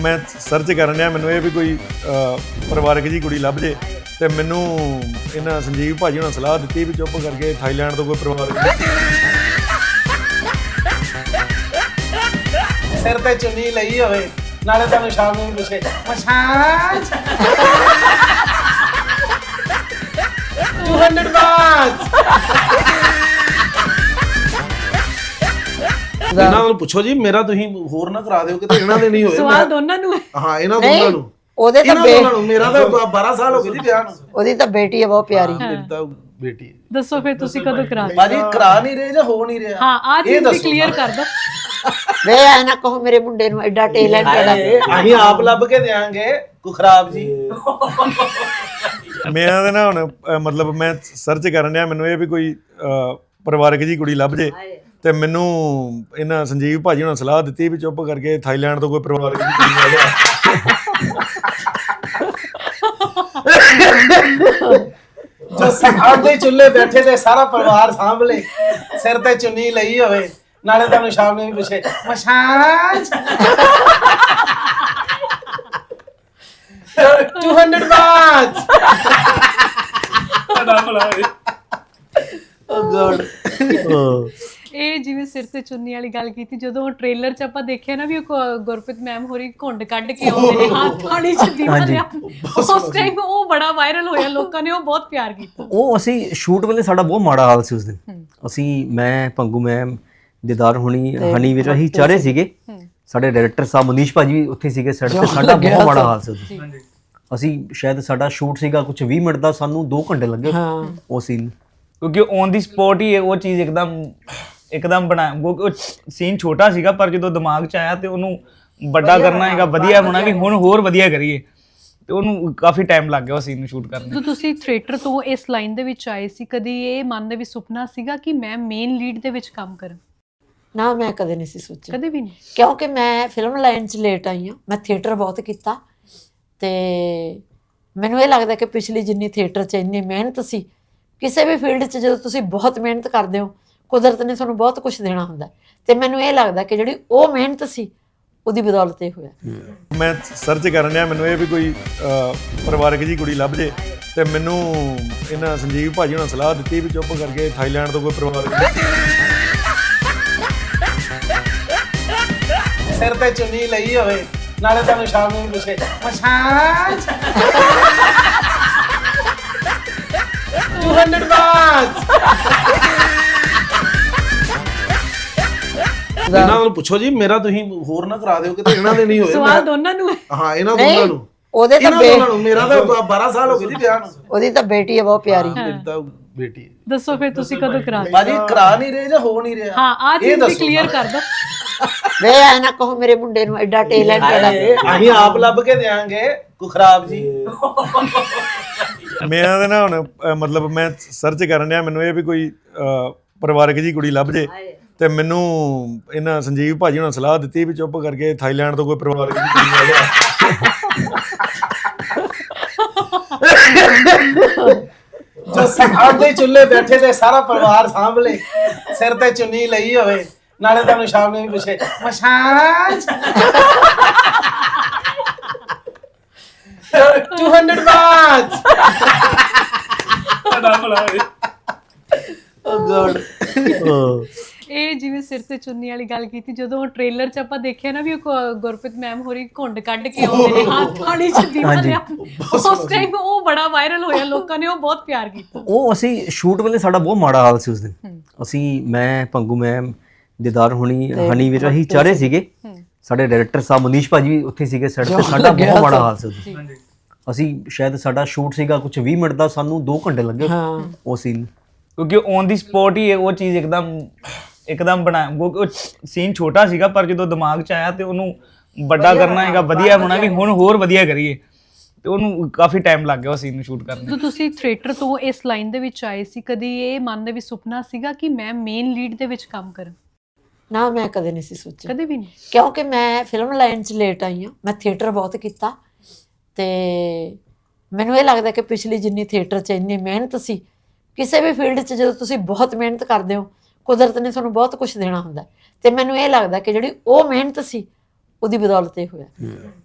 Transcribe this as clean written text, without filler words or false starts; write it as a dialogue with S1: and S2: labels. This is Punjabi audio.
S1: मैं सर्च करन डਿਆ ਮੈਨੂੰ ਇਹ ਵੀ ਕੋਈ ਪਰਿਵਾਰਕ ਜੀ ਕੁੜੀ ਲੱਭ ਜੇ ਤੇ ਮੈਨੂੰ ਇਹਨਾਂ ਸੰਜੀਵ ਭਾਜੀ ਉਹਨਾਂ ਸਲਾਹ ਦਿੱਤੀ ਵੀ ਚੁੱਪ ਕਰਕੇ ਥਾਈਲੈਂਡ ਤੋਂ ਕੋਈ ਪਰਿਵਾਰਕ
S2: ਸਿਰ ਤੇ ਚੁੰਨੀ ਲਈ ਹੋਵੇ ਨਾਲੇ ਤੁਹਾਨੂੰ ਸ਼ਾਮ ਨੂੰ ਪੁੱਛੇ ਮਸਾਜ 200 ਬਾਤ ਇਹਨਾਂ ਨੂੰ ਪੁੱਛੋ ਜੀ ਮੇਰਾ ਤੁਸੀਂ ਹੋਰ ਨਾ ਕਰਾ ਦਿਓ ਕਿਤੇ ਇਹਨਾਂ ਦੇ ਨਹੀਂ ਹੋਏ
S3: ਸਵਾਲ ਦੋਨਾਂ ਨੂੰ
S2: ਹਾਂ ਇਹਨਾਂ ਦੋਨਾਂ ਨੂੰ
S4: ਉਹਦੇ ਤਾਂ
S2: ਮੇਰਾ ਤਾਂ 12 ਸਾਲ ਹੋ ਗਏ ਜੀ ਵਿਆਹ ਨੂੰ
S4: ਉਹਦੀ ਤਾਂ ਬੇਟੀ ਹੈ ਬਹੁਤ ਪਿਆਰੀ
S2: ਮੇਰੀ ਤਾਂ ਬੇਟੀ ਹੈ
S3: ਦੱਸੋ ਫਿਰ ਤੁਸੀਂ ਕਦੋਂ ਕਰਾ ਰਹੇ?
S2: ਬਾਜੀ ਕਰਾ ਨਹੀਂ ਰਹੇ ਜਾਂ ਹੋ ਨਹੀਂ ਰਿਹਾ
S3: ਹਾਂ ਆ ਚੀਜ਼ ਵੀ ਕਲੀਅਰ ਕਰ ਦੋ
S4: ਵੇ ਐ ਨਾ ਕਹੋ ਮੇਰੇ ਮੁੰਡੇ ਨੂੰ ਐਡਾ ਟੈਲੈਂਟ ਹੈ
S2: ਅਸੀਂ ਆਪ ਲੱਭ ਕੇ ਦੇਾਂਗੇ ਕੋਈ ਖਰਾਬ ਜੀ
S1: ਮੇਰਾ ਤਾਂ ਨਾ ਹੁਣ ਮਤਲਬ ਮੈਂ ਸਰਚ ਕਰਨ ਡਿਆ ਮੈਨੂੰ ਇਹ ਵੀ ਕੋਈ ਪਰਿਵਾਰਕ ਜੀ ਕੁੜੀ ਲੱਭ ਜੇ ਤੇ ਮੈਨੂੰ ਇਹਨਾਂ ਸੰਜੀਵ ਭਾਜੀ ਉਹਨਾਂ ਸਲਾਹ ਦਿੱਤੀ ਵੀ ਚੁੱਪ ਕਰਕੇ ਥਾਈਲੈਂਡ ਤੋਂ ਕੋਈ ਪਰਿਵਾਰਕ ਜੀ ਕੁੜੀ ਲੱਭ
S2: ਜੋ ਸਾਡੇ ਚੁੱਲ੍ਹੇ ਬੈਠੇ ਤੇ ਸਾਰਾ ਪਰਿਵਾਰ ਸਾਂਭਲੇ ਸਿਰ ਤੇ ਚੁੰਨੀ ਲਈ ਹੋਵੇ ਨਾਲੇ ਤੁਹਾਨੂੰ ਸ਼ਾਮ ਨੂੰ ਪੁੱਛੇ ਮਸਾਜ 200 ਬਾਤ ਓ ਗॉड
S3: ਇਹ ਜਿਵੇਂ ਸਿਰ ਤੇ ਚੁੰਨੀ ਵਾਲੀ ਗੱਲ ਕੀਤੀ ਜਦੋਂ ਟ੍ਰੇਲਰ 'ਚ ਆਪਾਂ ਦੇਖਿਆ ਨਾ ਵੀ ਉਹ ਗੁਰਪ੍ਰੀਤ ਮੈਮ ਹੋਰੀ ਘੁੰਡ ਕੱਢ ਕੇ ਆਉਂਦੇ ਨੇ ਹੱਥ ਥਾਲੀ 'ਚ ਦੀਵਾ ਲਿਆ ਉਸ ਟਾਈਮ ਉਹ ਬੜਾ ਵਾਇਰਲ ਹੋਇਆ ਲੋਕਾਂ ਨੇ ਉਹ ਬਹੁਤ ਪਿਆਰ ਕੀਤਾ
S5: ਉਹ ਅਸੀਂ ਸ਼ੂਟ ਵੇਲੇ ਸਾਡਾ ਬਹੁਤ ਮਾੜਾ ਹਾਲ ਸੀ ਉਸ ਦਿਨ ਅਸੀਂ ਮੈਂ ਪੰਗੂ ਮੈਮ ਦਿਦਾਰ ਹੁਣੀ ਹਨੀ ਵੀਰ ਅਸੀਂ ਚਾਰੇ ਸੀਗੇ ਸਾਡੇ ਡਾਇਰੈਕਟਰ ਸਾਹਿਬ ਮਨੀਸ਼ ਭਾਜੀ ਵੀ ਉੱਥੇ ਸੀਗੇ ਸੈੱਟ ਤੇ ਸਾਡਾ ਬਹੁਤ ਮਾੜਾ ਹਾਲ ਸੀ ਉਸ ਦਿਨ ਅਸੀਂ ਸ਼ਾਇਦ ਸਾਡਾ ਸ਼ੂਟ ਸੀਗਾ ਕੁਝ 20 ਮਿੰਟ ਦਾ ਸਾਨੂੰ 2 ਘੰਟੇ ਲੱਗੇ ਉਹ ਸੀਨ
S6: ਕਿਉਂਕਿ ਔਨ ਦੀ ਸਪੌਟ ਹੀ ਉਹ ਚੀਜ਼ ਇੱਕਦਮ ਬਣਾਇਆ ਉਹ ਸੀਨ ਛੋਟਾ ਸੀਗਾ ਪਰ ਜਦੋਂ ਦਿਮਾਗ 'ਚ ਆਇਆ ਤੇ ਉਹਨੂੰ ਵੱਡਾ ਕਰਨਾ ਹੈਗਾ ਵਧੀਆ ਹੋਣਾ ਵੀ ਹੁਣ ਹੋਰ ਵਧੀਆ ਕਰੀਏ ਤੇ ਉਹਨੂੰ ਕਾਫੀ ਟਾਈਮ ਲੱਗ ਗਿਆ ਉਹ ਸੀਨ ਨੂੰ ਸ਼ੂਟ ਕਰਨ
S3: ਜਦੋਂ ਤੁਸੀਂ ਥੀਏਟਰ ਤੋਂ ਇਸ ਲਾਈਨ ਦੇ ਵਿੱਚ ਆਏ ਸੀ ਕਦੀ ਇਹ ਮਨ ਦੇ ਵਿੱਚ ਸੁਪਨਾ ਸੀਗਾ ਕਿ ਮੈਂ ਮੇਨ ਲੀਡ ਦੇ ਵਿੱਚ ਕੰਮ ਕਰਾਂ?
S4: ਨਾ ਮੈਂ ਕਦੇ ਨਹੀਂ ਸੀ ਸੋਚਿਆ
S3: ਕਦੇ ਵੀ ਨਹੀਂ
S4: ਕਿਉਂਕਿ ਮੈਂ ਫਿਲਮ ਲਾਈਨ 'ਚ ਲੇਟ ਆਈ ਹਾਂ ਮੈਂ ਥੀਏਟਰ ਬਹੁਤ ਕੀਤਾ ਤੇ ਮੈਨੂੰ ਇਹ ਲੱਗਦਾ ਕਿ ਪਿਛਲੀ ਜਿੰਨੀ ਥੀਏਟਰ 'ਚ ਇੰਨੀ ਮਿਹਨਤ ਸੀ ਕਿਸੇ ਵੀ ਫੀਲਡ 'ਚ ਜਦੋਂ ਤੁਸੀਂ ਬਹੁਤ ਮਿਹਨਤ ਕਰਦੇ ਹੋ ਕੁਦਰਤ ਨੇ ਤੁਹਾਨੂੰ ਬਹੁਤ ਕੁਝ ਦੇਣਾ ਹੁੰਦਾ ਤੇ ਮੈਨੂੰ ਇਹ ਲੱਗਦਾ ਕਿ ਜਿਹੜੀ ਉਹ ਮਿਹਨਤ ਸੀ ਉਹਦੀ ਬਦੌਲਤ ਇਹ ਹੋਇਆ
S1: ਮੈਂ ਸਰਚ ਕਰਨ ਡਿਆ ਮੈਨੂੰ ਇਹ ਵੀ ਕੋਈ ਪਰਿਵਾਰਕ ਜੀ ਕੁੜੀ ਲੱਭ ਜੇ ਤੇ ਮੈਨੂੰ ਇਹਨਾਂ ਸੰਜੀਵ ਭਾਜੀ ਉਹਨਾਂ ਸਲਾਹ ਦਿੱਤੀ ਵੀ ਚੁੱਪ ਕਰਕੇ ਥਾਈਲੈਂਡ ਤੋਂ ਕੋਈ ਪਰਿਵਾਰਕ
S2: ਸਿਰ ਤੇ ਚੁੰਨੀ ਲਈ ਹੋਵੇ ਨਾਲੇ ਤੁਹਾਨੂੰ ਸ਼ਾਮ ਨੂੰ ਪੁੱਛੇ ਮਸਾਜ 200 ਬਾਤ ਇਹਨਾਂ ਨੂੰ ਪੁੱਛੋ ਜੀ ਮੇਰਾ ਤੁਸੀਂ ਹੋਰ ਨਾ ਕਰਾ ਦਿਓ ਕਿਤੇ ਇਹਨਾਂ ਦੇ ਨਹੀਂ ਹੋਏ
S3: ਸਵਾਲ ਦੋਨਾਂ ਨੂੰ
S2: ਹਾਂ ਇਹਨਾਂ ਦੋਨਾਂ ਨੂੰ
S4: ਉਹਦੇ ਤਾਂ
S2: ਮੇਰਾ ਤਾਂ 12 ਸਾਲ ਹੋ ਗਏ ਜੀ ਵਿਆਹ ਨੂੰ
S4: ਉਹਦੀ ਤਾਂ ਬੇਟੀ ਹੈ ਬਹੁਤ ਪਿਆਰੀ
S2: ਮੇਰੀ ਤਾਂ ਬੇਟੀ ਹੈ
S3: ਦੱਸੋ ਫਿਰ ਤੁਸੀਂ ਕਦੋਂ ਕਰਾ ਰਹੇ?
S2: ਬਾਜੀ ਕਰਾ ਨਹੀਂ ਰਹੇ ਜਾਂ ਹੋ ਨਹੀਂ ਰਿਹਾ
S3: ਹਾਂ ਆ ਚੀਜ਼ ਵੀ ਕਲੀਅਰ ਕਰ ਦੋ
S4: ਵੇ ਐ ਨਾ ਕਹੋ ਮੇਰੇ ਮੁੰਡੇ ਨੂੰ ਐਡਾ ਟੈਲੈਂਟ ਹੈ
S2: ਅਸੀਂ ਆਪ ਲੱਭ ਕੇ ਦੇਾਂਗੇ ਕੋਈ ਖਰਾਬ ਜੀ
S1: ਮੇਰਾ ਤਾਂ ਨਾ ਹੁਣ ਮਤਲਬ ਮੈਂ ਸਰਚ ਕਰਨ ਡਿਆ ਮੈਨੂੰ ਇਹ ਵੀ ਕੋਈ ਪਰਿਵਾਰਕ ਜੀ ਕੁੜੀ ਲੱਭ ਜੇ ਤੇ ਮੈਨੂੰ ਇਹਨਾਂ ਸੰਜੀਵ ਭਾਜੀ ਉਹਨਾਂ ਸਲਾਹ ਦਿੱਤੀ ਵੀ ਚੁੱਪ ਕਰਕੇ ਥਾਈਲੈਂਡ ਤੋਂ ਕੋਈ ਪਰਿਵਾਰਕ ਜੀ ਕੁੜੀ
S2: ਜੋ ਸਾਡੇ ਚੁੱਲ੍ਹੇ ਬੈਠੇ ਤੇ ਸਾਰਾ ਪਰਿਵਾਰ ਸਾਂਭਲੇ ਸਿਰ ਤੇ ਚੁੰਨੀ ਲਈ ਹੋਵੇ ਨਾਲੇ ਤੁਹਾਨੂੰ ਸ਼ਾਮ ਨੂੰ ਪੁੱਛੇ ਮਸਾਜ 200 ਬਾਤ ਓ ਗॉड
S3: ਇਹ ਜਿਵੇਂ ਸਿਰ ਤੇ ਚੁੰਨੀ ਵਾਲੀ ਗੱਲ ਕੀਤੀ ਜਦੋਂ ਟ੍ਰੇਲਰ 'ਚ ਆਪਾਂ ਦੇਖਿਆ ਨਾ ਵੀ ਉਹ ਗੁਰਪ੍ਰੀਤ ਮੈਮ ਹੋਰੀ ਘੁੰਡ ਕੱਢ ਕੇ ਆਉਂਦੇ ਨੇ ਹੱਥ ਥਾਲੀ 'ਚ ਦੀਵਾ ਲਿਆ ਉਸ ਟਾਈਮ ਉਹ ਬੜਾ ਵਾਇਰਲ ਹੋਇਆ ਲੋਕਾਂ ਨੇ ਉਹ ਬਹੁਤ ਪਿਆਰ ਕੀਤਾ
S5: ਉਹ ਅਸੀਂ ਸ਼ੂਟ ਵੇਲੇ ਸਾਡਾ ਬਹੁਤ ਮਾੜਾ ਹਾਲ ਸੀ ਉਸ ਦਿਨ ਅਸੀਂ ਮੈਂ ਪੰਗੂ ਮੈਮ ਦਿਦਾਰ ਹੁਣੀ ਹਨੀ ਵੀਰ ਅਸੀਂ ਚਾਰੇ ਸੀਗੇ ਸਾਡੇ ਡਾਇਰੈਕਟਰ ਸਾਹਿਬ ਮਨੀਸ਼ ਭਾਜੀ ਵੀ ਉੱਥੇ ਸੀਗੇ ਸੈੱਟ ਤੇ ਸਾਡਾ ਬਹੁਤ ਮਾੜਾ ਹਾਲ ਸੀ ਉਸ ਦਿਨ ਅਸੀਂ ਸ਼ਾਇਦ ਸਾਡਾ ਸ਼ੂਟ ਸੀਗਾ ਕੁਝ 20 ਮਿੰਟ ਦਾ ਸਾਨੂੰ 2 ਘੰਟੇ ਲੱਗੇ ਉਹ ਸੀਨ
S6: ਕਿਉਂਕਿ ਔਨ ਦੀ ਸਪੌਟ ਹੀ ਉਹ ਚੀਜ਼ ਇੱਕਦਮ ਬਣਾਇਆ ਉਹ ਸੀਨ ਛੋਟਾ ਸੀਗਾ ਪਰ ਜਦੋਂ ਦਿਮਾਗ 'ਚ ਆਇਆ ਤੇ ਉਹਨੂੰ ਵੱਡਾ ਕਰਨਾ ਹੈਗਾ ਵਧੀਆ ਹੋਣਾ ਵੀ ਹੁਣ ਹੋਰ ਵਧੀਆ ਕਰੀਏ ਤੇ ਉਹਨੂੰ ਕਾਫੀ ਟਾਈਮ ਲੱਗ ਗਿਆ ਉਹ ਸੀਨ ਨੂੰ ਸ਼ੂਟ ਕਰਨ
S3: ਜਦੋਂ ਤੁਸੀਂ ਥੀਏਟਰ ਤੋਂ ਇਸ ਲਾਈਨ ਦੇ ਵਿੱਚ ਆਏ ਸੀ ਕਦੀ ਇਹ ਮਨ ਦੇ ਵਿੱਚ ਸੁਪਨਾ ਸੀਗਾ ਕਿ ਮੈਂ ਮੇਨ ਲੀਡ ਦੇ ਵਿੱਚ ਕੰਮ ਕਰਾਂ?
S4: ਨਾ ਮੈਂ ਕਦੇ ਨਹੀਂ ਸੀ ਸੋਚਿਆ
S3: ਕਦੇ ਵੀ ਨਹੀਂ
S4: ਕਿਉਂਕਿ ਮੈਂ ਫਿਲਮ ਲਾਈਨ 'ਚ ਲੇਟ ਆਈ ਹਾਂ ਮੈਂ ਥੀਏਟਰ ਬਹੁਤ ਕੀਤਾ ਤੇ ਮੈਨੂੰ ਇਹ ਲੱਗਦਾ ਕਿ ਪਿਛਲੀ ਜਿੰਨੀ ਥੀਏਟਰ 'ਚ ਇੰਨੀ ਮਿਹਨਤ ਸੀ ਕਿਸੇ ਵੀ ਫੀਲਡ 'ਚ ਜਦੋਂ ਤੁਸੀਂ ਬਹੁਤ ਮਿਹਨਤ ਕਰਦੇ ਹੋ ਕੁਦਰਤ ਨੇ ਤੁਹਾਨੂੰ ਬਹੁਤ ਕੁਝ ਦੇਣਾ ਹੁੰਦਾ ਤੇ ਮੈਨੂੰ ਇਹ ਲੱਗਦਾ ਕਿ ਜਿਹੜੀ ਉਹ ਮਿਹਨਤ ਸੀ ਉਹਦੀ ਬਦੌਲਤ ਇਹ ਹੋਇਆ